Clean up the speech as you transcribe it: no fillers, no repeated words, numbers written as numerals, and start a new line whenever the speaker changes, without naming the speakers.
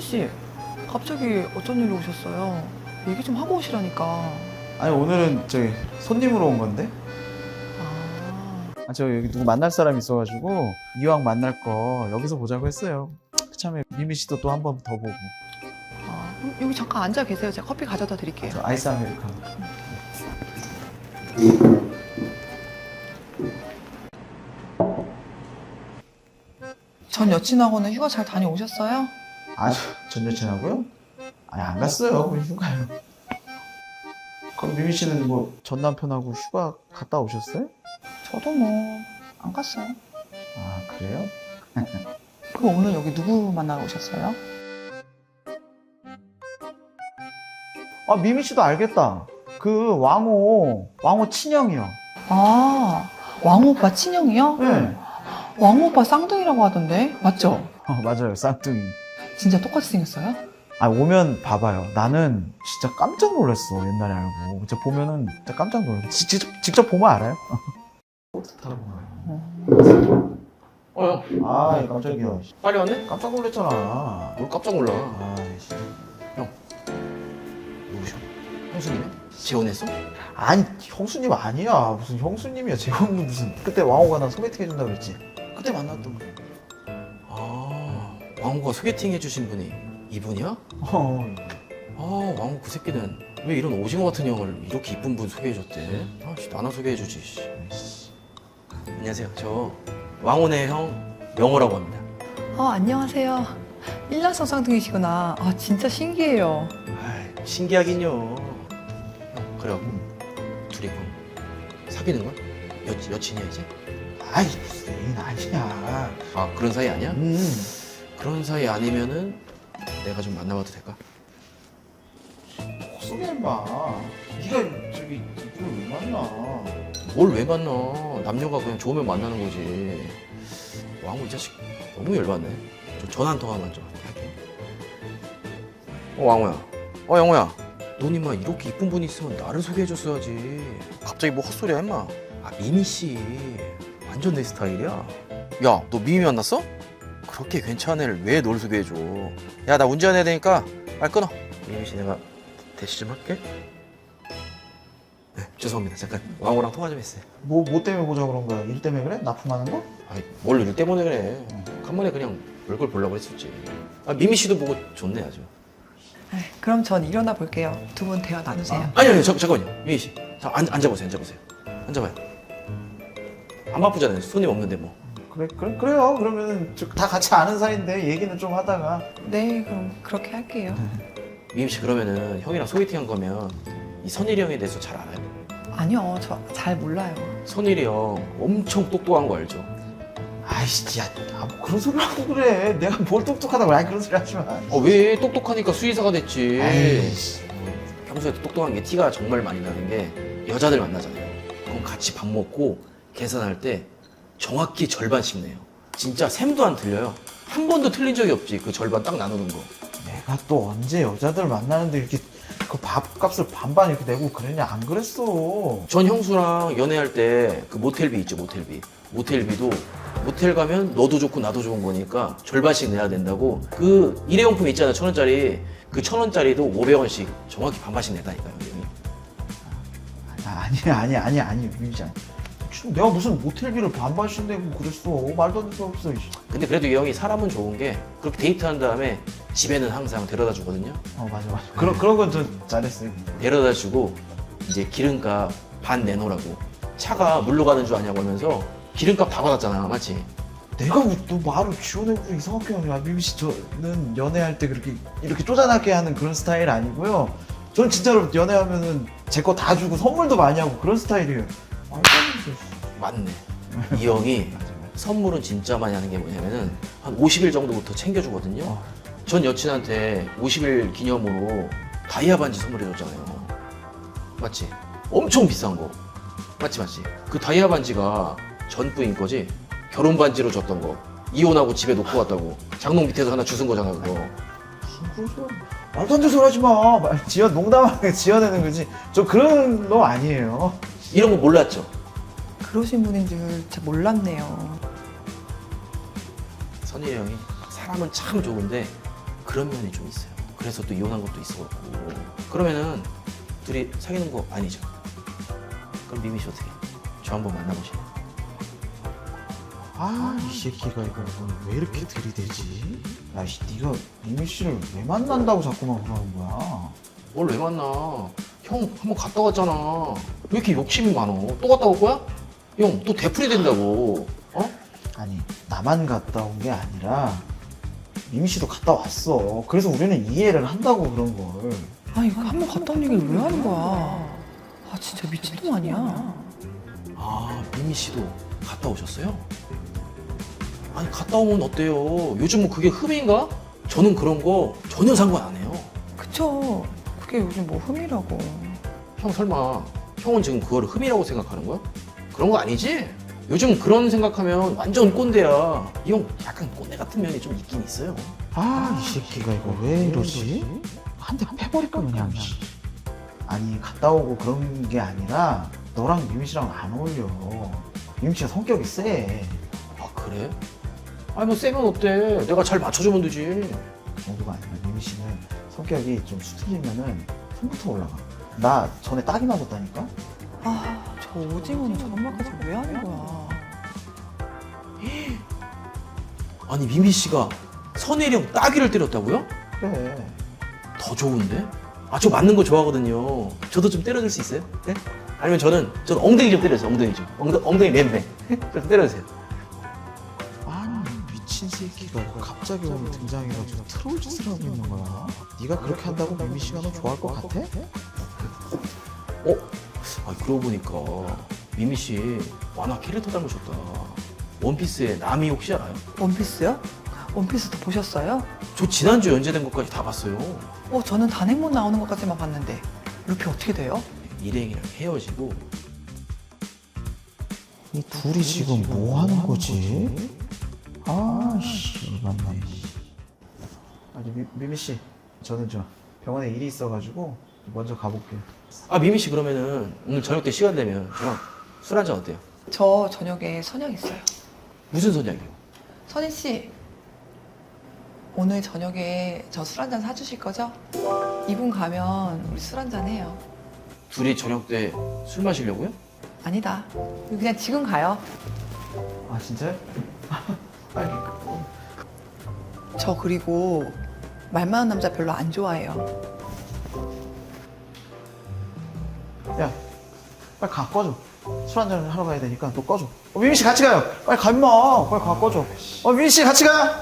씨, 갑자기 어쩐 일로 오셨어요? 얘기 좀 하고 오시라니까.
아니 오늘은 저기 손님으로 온 건데.
아,
저 여기 누구 만날 사람이 있어가지고 이왕 만날 거 여기서 보자고 했어요. 그참에 미미 씨도 또 한 번 더 보고.
그럼 여기 잠깐 앉아 계세요. 제가 커피 가져다 드릴게요.
저 아이스 아메리카노.
전 여친하고는 휴가 잘 다녀오셨어요?
전 여친하고요? 아니 안 갔어요. 그냥 휴가요. 그럼 미미 씨는 뭐 전 남편하고 휴가 갔다 오셨어요?
저도 뭐 안 갔어요.
아 그래요?
그럼 오늘 여기 누구 만나러 오셨어요?
아 미미 씨도 알겠다. 그 왕호 친형이요.
아, 왕오빠 친형이요?
네.
왕오빠 쌍둥이라고 하던데 맞죠?
맞아요. 쌍둥이.
진짜 똑같이 생겼어요?
오면 봐봐요. 나는 진짜 깜짝 놀랐어. 옛날에 알고. 진짜 보면은 진짜 깜짝 놀랐어. 직접 보면 알아요? 아, 깜짝이야.
빨리 왔네?
깜짝 놀랐잖아.
뭘 깜짝 놀라.
씨.
누구셔? 형수님이야? 재혼했어?
아니, 형수님 아니야. 무슨 형수님이야. 재혼은 무슨. 그때 왕호가 나 소개팅 해준다 그랬지. 그때 만났던 거.
아, 왕호가 소개팅 해주신 분이 이분이야? 왕호 그 새끼는 왜 이런 오징어 같은 형을 이렇게 이쁜 분 소개해줬대? 나나 소개해주지. 씨. 안녕하세요. 저 왕호네 형 명호라고 합니다.
안녕하세요. 일란성 쌍둥이시구나. 진짜 신기해요.
아이, 신기하긴요. 형, 그래갖고 둘이 그럼 사귀는 거야? 여친이야 이제?
아이, 무슨 애인 아니야.
아, 그런 사이 아니야? 그런 사이 아니면은 내가 좀 만나봐도 될까?
헛소리 해봐. 네가 저기 이분을 왜 만나?
뭘 왜 만나? 남녀가 그냥 좋으면 만나는 거지. 왕호 이 자식 너무 열받네. 저 전화 한 통화만 좀 할게. 왕호야. 영호야. 넌 임마 이렇게 이쁜 분이 있으면 나를 소개해줬어야지. 갑자기 뭐 헛소리야 임마. 미미 씨 완전 내 스타일이야. 야, 너 미미 만났어? 그렇게 괜찮은 애를 왜 널 소개해줘? 야, 나 운전해야 되니까 빨리 끊어. 미미 씨 내가 대시 좀 할게. 네, 죄송합니다. 잠깐 왕호랑 통화 좀 했어요.
뭐 때문에 보자 그런 거야? 일 때문에 그래? 납품하는 거?
아이, 뭘 일 때문에 그래. 간만에 그냥 얼굴 보려고 했었지. 미미 씨도 보고 좋네 아주.
그럼 전 일어나 볼게요. 두 분 대화 나누세요.
아니, 잠깐만요. 미미 씨. 자, 앉아보세요. 앉아봐요. 안 바쁘잖아요. 손님 없는데 뭐.
그래요. 그러면은 다 같이 아는 사이인데 얘기는 좀 하다가.
네, 그럼 그렇게 할게요.
미미 씨 그러면은 형이랑 소개팅 한 거면 이 선일이 형에 대해서 잘 알아요?
아니요, 저 잘 몰라요.
선일이 형 엄청 똑똑한 거 알죠?
아이씨, 야, 뭐 그런 소리 하고 그래. 내가 뭘 똑똑하다고. 그런 소리 하지 마.
왜 똑똑하니까 수의사가 됐지.
아이씨.
평소에도 똑똑한 게 티가 정말 많이 나는 게 여자들 만나잖아요. 그럼 같이 밥 먹고 계산할 때 정확히 절반씩 내요. 진짜 셈도 안 틀려요. 한 번도 틀린 적이 없지. 그 절반 딱 나누는 거.
내가 또 언제 여자들 만나는데 이렇게 그 밥값을 반반 이렇게 내고 그랬냐? 안 그랬어.
전 형수랑 연애할 때 그 모텔비 있죠, 모텔비. 모텔비도 모텔 가면 너도 좋고 나도 좋은 거니까 절반씩 내야 된다고. 그 일회용품 있잖아, 1,000원짜리. 그 1,000원짜리도 500원씩 정확히 반반씩 내다니까요, 형이.
아니, 민지. 내가 무슨 모텔비를 반반씩 내고 그랬어. 말도 안 되는 소리 없어.
근데 그래도 이 형이 사람은 좋은 게 그렇게 데이트한 다음에 집에는 항상 데려다 주거든요.
맞아. 그런 건 좀 잘했어요.
데려다 주고 이제 기름값 반 내놓으라고. 차가 물로 가는 줄 아냐고 하면서 기름값 다 받았잖아, 맞지?
내가 너 말을 지어내고 이상하게 하냐. 민미 씨, 저는 연애할 때 이렇게 쪼잔하게 하는 그런 스타일 아니고요. 저는 진짜로 연애하면은 제 거 다 주고 선물도 많이 하고 그런 스타일이에요.
맞네. 이 형이 선물은 진짜 많이 하는 게 뭐냐면은 한 50일 정도부터 챙겨주거든요. 전 여친한테 50일 기념으로 다이아 반지 선물해줬잖아요. 맞지? 엄청 비싼 거. 맞지? 그 다이아 반지가 전 부인 거지? 결혼 반지로 줬던 거. 이혼하고 집에 놓고 왔다고. 장롱 밑에서 하나 주운 거잖아, 그거.
무슨 소리? 말도 안 되는 소리 하지 마. 농담하게 지어내는 거지. 저 그런 놈 아니에요.
이런 거 몰랐죠?
그러신 분인 줄 진짜 몰랐네요.
선희 형이 사람은 참 좋은데 그런 면이 좀 있어요. 그래서 또 이혼한 것도 있어갖고. 그러면은 둘이 사귀는 거 아니죠? 그럼 미미 씨 어떻게? 저 한번 만나보실래요?
이 새끼가 이거 왜 이렇게 들이대지? 야, 네가 미미 씨를 왜 만난다고 자꾸만 그러는 거야?
뭘 왜 만나? 형 한번 갔다 왔잖아. 왜 이렇게 욕심이 많어? 또 갔다 올 거야? 형 또 되풀이 된다고. 어?
아니, 나만 갔다 온 게 아니라 미미 씨도 갔다 왔어. 그래서 우리는 이해를 한다고 그런 걸.
아 이거 한 번 갔다 온 얘기를 왜 하는 거야? 아 진짜 미친놈 아니야?
아 미미 씨도 갔다 오셨어요? 아니 갔다 오면 어때요? 요즘 뭐 그게 흠인가? 저는 그런 거 전혀 상관 안 해요.
그쵸. 그게 요즘 뭐 흠이라고.
형 설마 형은 지금 그거를 흠이라고 생각하는 거야? 그런 거 아니지? 요즘 그런 생각하면 완전 꼰대야. 이 형 약간 꼰대 같은 면이 좀 있긴 있어요.
이 새끼가 이거 왜 이러지? 한 대 패버릴까 그냥. 아니, 갔다 오고 그런 게 아니라 너랑 미미 씨랑 안 어울려. 미미 씨가 성격이 세.
아 그래? 아니 뭐 세면 어때? 내가 잘 맞춰주면 되지.
그 정도가 아니라 미미 씨는 성격이 좀 수틀리면은 손부터 올라가. 나 전에 딱이 맞았다니까?
아 저 오징어는 저런 말까지 왜 하는 거야?
아니 미미 씨가 선혜령 따귀를 때렸다고요?
그래.
더 좋은데? 아 저 맞는 거 좋아하거든요. 저도 좀 때려줄 수 있어요? 네? 아니면 저는 엉덩이 좀 때려주세요. 엉덩이 좀. 엉덩이 맴매. 좀 때려주세요.
아니, 미친 새끼가 갑자기 오늘 등장해가지고 트롤 짓을 하고 있는 거야. 네가 그렇게 한다고 미미 씨가 너 좋아할 것 같아?
아 그러고 보니까 미미 씨 만화 캐릭터 닮으셨다. 원피스의 나미 혹시 알아요?
원피스요? 원피스도 보셨어요?
저 지난주 연재된 것까지 다 봤어요.
저는 단행본 나오는 것까지만 봤는데 루피 어떻게 돼요?
일행이랑 헤어지고
이 둘이 지금 뭐 하는 거지? 아씨, 맞네. 아니, 미미 씨, 저는 저 병원에 일이 있어가지고 먼저 가볼게요.
아 미미 씨 그러면은 오늘 저녁 때 시간 되면 저랑 술 한잔 어때요?
저 저녁에 선약 있어요.
무슨 선약이요?
선희 씨, 오늘 저녁에 저 술 한잔 사주실 거죠? 이분 가면 우리 술 한잔 해요.
둘이 저녁 때 술 마시려고요?
아니다. 그냥 지금 가요.
아, 진짜요? 아니,
저 그리고 말 많은 남자 별로 안 좋아해요.
야, 빨리 가, 꺼줘. 술 한잔 하러 가야 되니까 너 꺼줘. 미미 씨 같이 가요. 빨리 가, 임마. 빨리 가, 꺼줘. 미미 씨 같이 가.